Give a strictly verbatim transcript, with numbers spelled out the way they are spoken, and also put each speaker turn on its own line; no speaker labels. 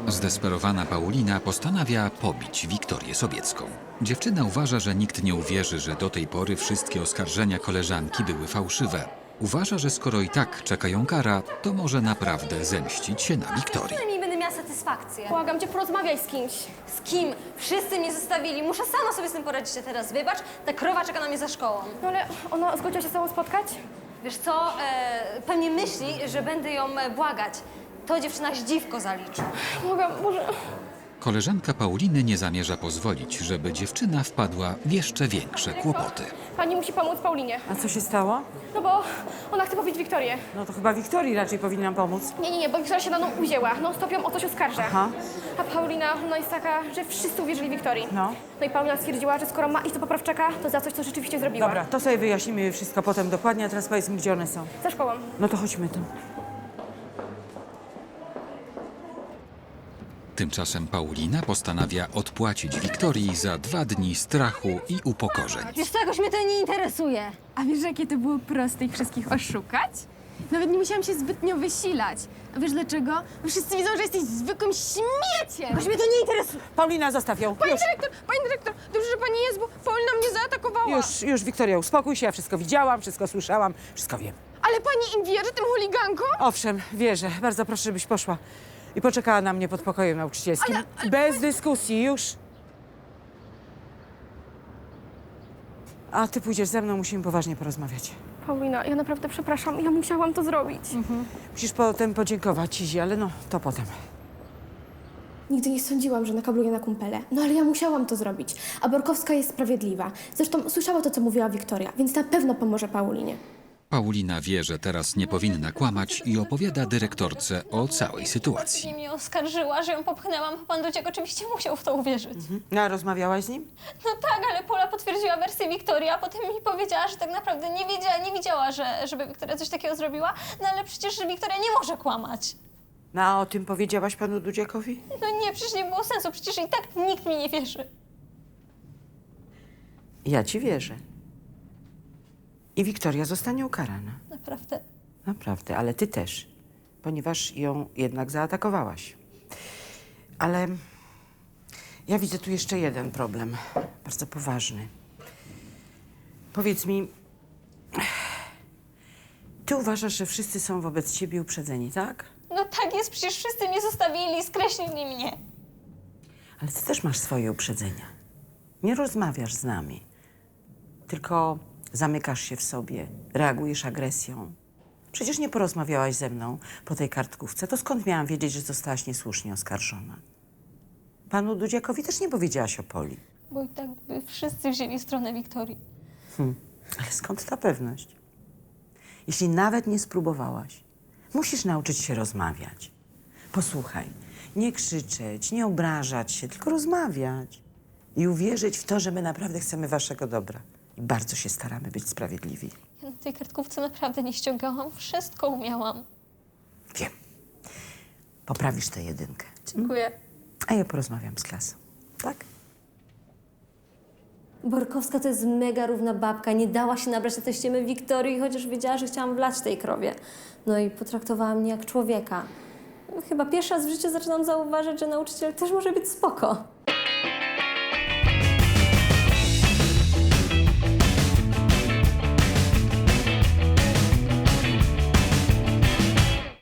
Zdesperowana Paulina postanawia pobić Wiktorię Sobiecką. Dziewczyna uważa, że nikt nie uwierzy, że do tej pory wszystkie oskarżenia koleżanki były fałszywe. Uważa, że skoro i tak czeka ją kara, to może naprawdę zemścić się na Wiktorii.
Przynajmniej będę miała satysfakcję.
Błagam cię, porozmawiaj z kimś.
Z kim? Wszyscy mnie zostawili. Muszę sama sobie z tym poradzić. A teraz wybacz, ta krowa czeka na mnie za szkołą.
No ale ona zgodziła się z tobą spotkać?
Wiesz co, e, pewnie myśli, że będę ją e, błagać. To dziewczyna dziwko zaliczy.
Błagam, może...
Koleżanka Pauliny nie zamierza pozwolić, żeby dziewczyna wpadła w jeszcze większe kłopoty.
Pani musi pomóc Paulinie.
A co się stało?
No bo ona chce pobić Wiktorię.
No to chyba Wiktorii raczej powinnam pomóc.
Nie, nie, nie, bo Wiktoria się na nią uzięła. No stop ją o coś oskarża.
Aha.
A Paulina, no jest taka, że wszyscy uwierzyli Wiktorii.
No.
No i Paulina stwierdziła, że skoro ma iść do poprawczaka, to za coś, co rzeczywiście zrobiła.
Dobra, to sobie wyjaśnimy wszystko potem dokładnie, a teraz powiedz mi, gdzie one są.
Za szkołą.
No to chodźmy tam.
Tymczasem Paulina postanawia odpłacić Wiktorii za dwa dni strachu i upokorzeń.
Wiesz co, jakoś mnie to nie interesuje.
A wiesz, jakie to było proste ich wszystkich oszukać? Nawet nie musiałam się zbytnio wysilać. A wiesz dlaczego? Bo wszyscy widzą, że jesteś zwykłym śmieciem!
Jakoś mnie to nie interesuje.
Paulina, zostaw ją.
Pani
Już,
dyrektor, pani dyrektor, dobrze, że pani jest, bo Paulina mnie zaatakowała.
już, już, Wiktoria, uspokój się, ja wszystko widziałam, wszystko słyszałam, wszystko wiem.
Ale pani im wierzy, tym chuligankom?
Owszem, wierzę. Bardzo proszę, żebyś poszła i poczekała na mnie pod pokojem nauczycielskim.
Ale- ale-
Bez dyskusji, już. A ty pójdziesz ze mną, musimy poważnie porozmawiać.
Paulina, ja naprawdę przepraszam, ja musiałam to zrobić.
Musisz potem podziękować Izi, ale no, to potem.
Nigdy nie sądziłam, że nakabluję na kumpele. No ale ja musiałam to zrobić. A Borkowska jest sprawiedliwa. Zresztą słyszała to, co mówiła Wiktoria, więc na pewno pomoże Paulinie.
Paulina wie, że teraz nie powinna kłamać i opowiada dyrektorce o całej sytuacji.
Nie mnie oskarżyła, że ją popchnęłam. Pan Dudziek oczywiście musiał w to uwierzyć.
No, a rozmawiałaś z nim?
No tak, ale Pola potwierdziła wersję Wiktorii, a potem mi powiedziała, że tak naprawdę nie wiedziała, nie widziała, że, żeby Wiktoria coś takiego zrobiła. No ale przecież Wiktoria nie może kłamać.
No, a o tym powiedziałaś panu Dudziakowi?
No nie, przecież nie było sensu, przecież i tak nikt mi nie wierzy.
Ja ci wierzę. I Wiktoria zostanie ukarana.
Naprawdę.
Naprawdę, ale ty też, ponieważ ją jednak zaatakowałaś. Ale ja widzę tu jeszcze jeden problem, bardzo poważny. Powiedz mi, ty uważasz, że wszyscy są wobec ciebie uprzedzeni, tak?
No tak jest, przecież wszyscy mnie zostawili, skreślili mnie.
Ale ty też masz swoje uprzedzenia. Nie rozmawiasz z nami, tylko zamykasz się w sobie, reagujesz agresją. Przecież nie porozmawiałaś ze mną po tej kartkówce. To skąd miałam wiedzieć, że zostałaś niesłusznie oskarżona? Panu Dudziakowi też nie powiedziałaś o Poli.
Bo i tak by wszyscy wzięli stronę Wiktorii.
Ale skąd ta pewność? Jeśli nawet nie spróbowałaś, musisz nauczyć się rozmawiać. Posłuchaj, nie krzyczeć, nie obrażać się, tylko rozmawiać. I uwierzyć w to, że my naprawdę chcemy waszego dobra. I bardzo się staramy być sprawiedliwi.
Ja na tej kartkówce naprawdę nie ściągałam, wszystko umiałam.
Wiem. Poprawisz tę jedynkę.
Dziękuję.
A ja porozmawiam z klasą. Tak?
Borkowska to jest mega równa babka, nie dała się nabrać na te ściemy Wiktorii, chociaż wiedziała, że chciałam wlać tej krowie. No i potraktowała mnie jak człowieka. Chyba pierwszy raz w życiu zaczynam zauważyć, że nauczyciel też może być spoko.